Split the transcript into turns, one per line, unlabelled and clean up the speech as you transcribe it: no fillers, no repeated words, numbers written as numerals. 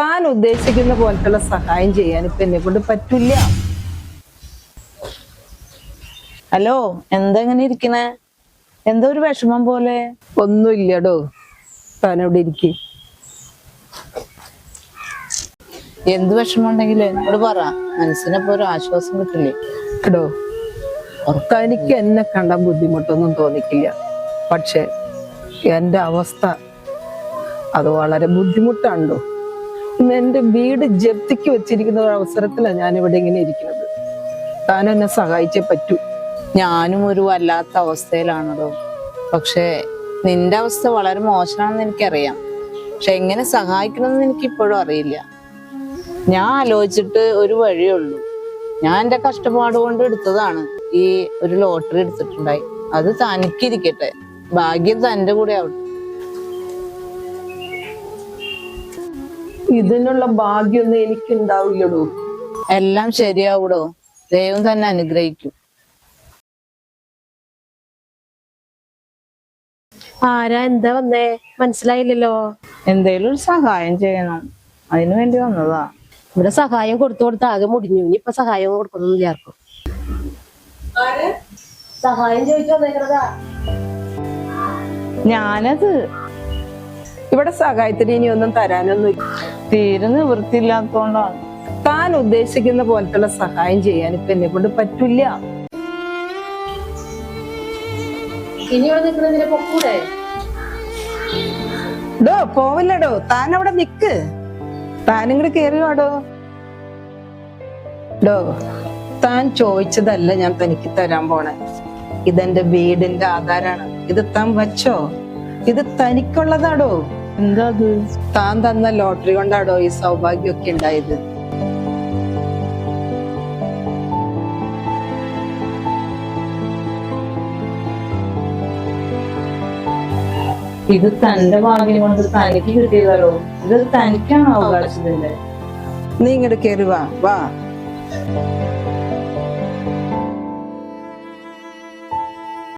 താൻ ഉദ്ദേശിക്കുന്ന പോലത്തുള്ള സഹായം ചെയ്യാൻ ഇപ്പൊ എന്നെ കൊണ്ട് പറ്റില്ല.
ഹലോ, എന്താ ഇങ്ങനെ ഇരിക്കണേ? എന്താ ഒരു വിഷമം പോലെ?
ഒന്നുമില്ലടോ, താൻ അവിടെ ഇരിക്കും.
എന്ത് വിഷമം ഉണ്ടെങ്കിലും എന്നോട് പറ, മനസ്സിനിപ്പോ ഒരു ആശ്വാസം കിട്ടില്ലേ?
എടോ, തനിക്ക് എന്നെ കണ്ട ബുദ്ധിമുട്ടൊന്നും തോന്നിക്കില്ല. പക്ഷെ എന്റെ അവസ്ഥ അത് വളരെ ബുദ്ധിമുട്ടാണല്ലോ. ഇന്ന് എന്റെ വീട് ജപ്തിക്ക് വെച്ചിരിക്കുന്ന ഒരു അവസരത്തിലാണ് ഞാൻ ഇവിടെ ഇങ്ങനെ ഇരിക്കുന്നത്. താൻ എന്നെ സഹായിച്ചേ പറ്റൂ.
ഞാനും ഒരു വല്ലാത്ത അവസ്ഥയിലാണല്ലോ. പക്ഷെ നിന്റെ അവസ്ഥ വളരെ മോശമാണെന്ന് എനിക്കറിയാം. പക്ഷെ എങ്ങനെ സഹായിക്കണമെന്ന് എനിക്ക് ഇപ്പോഴും അറിയില്ല. ഞാൻ ആലോചിച്ചിട്ട് ഒരു വഴിയേ ഉള്ളൂ. ഞാൻ എന്റെ കഷ്ടപ്പാട് കൊണ്ട് എടുത്തതാണ് ഈ ഒരു ലോട്ടറി എടുത്തിട്ടുണ്ടായി. അത് തനിക്കിരിക്കട്ടെ, ഭാഗ്യം തന്റെ കൂടെ ആവട്ടെ.
ഇതിനുള്ള ഭാഗ്യമൊന്നും എനിക്ക് ഉണ്ടാവില്ലടോ.
എല്ലാം ശരിയാവൂടോ, ദൈവം തന്നെ അനുഗ്രഹിക്കും.
ആരാ, എന്താ വന്നേ? മനസ്സിലായില്ലല്ലോ.
എന്തേലും ഒരു സഹായം ചെയ്യണം, അതിനു വേണ്ടി വന്നതാ.
ഇവിടെ സഹായം കൊടുത്ത് ആകെ മുടിഞ്ഞു. ഇനി ഇപ്പൊ സഹായം കൊടുക്കണമെന്നില്ല ആർക്കും. സഹായം ചോദിച്ചു വന്നേക്കണതാ.
ഞാനത്
ഇവിടെ സഹായത്തിന് ഇനി ഒന്നും തരാനൊന്നും
തീരെ നിവൃത്തിയില്ലാത്തോണ്ടാണ്.
താൻ ഉദ്ദേശിക്കുന്ന പോലത്തുള്ള സഹായം ചെയ്യാൻ ഇപ്പൊ എന്നെ കൊണ്ട് പറ്റില്ല.
ഇനി ഇവിടെ നിൽക്കുന്നതിനെ പൊക്കൂടെ?
ഡോ, പോവില്ലടോ, താൻ അവിടെ നിക്ക്. താനിങ്ങോട്ട് കേറി വാടോ. ഡോ, താൻ ചോദിച്ചതല്ല ഞാൻ തനിക്ക് തരാൻ പോണേ. ഇതെന്റെ വീടിന്റെ ആധാരാണ്. ഇത് താൻ വച്ചോ. ഇത് തനിക്കുള്ളതാടോ.
എന്താ അത്?
താൻ തന്ന ലോട്ടറി കൊണ്ടാടോ ഈ സൗഭാഗ്യമൊക്കെ ഉണ്ടായത്.
ഇത് തന്റെ ഭാഗ്യം കൊണ്ട് തനിക്ക് കിട്ടിയതല്ലോ. ഇത് തനിക്കാണ് അവകാശത്തിന്റെ.
നീ ഇങ്ങോട്ട് കേറി വാ.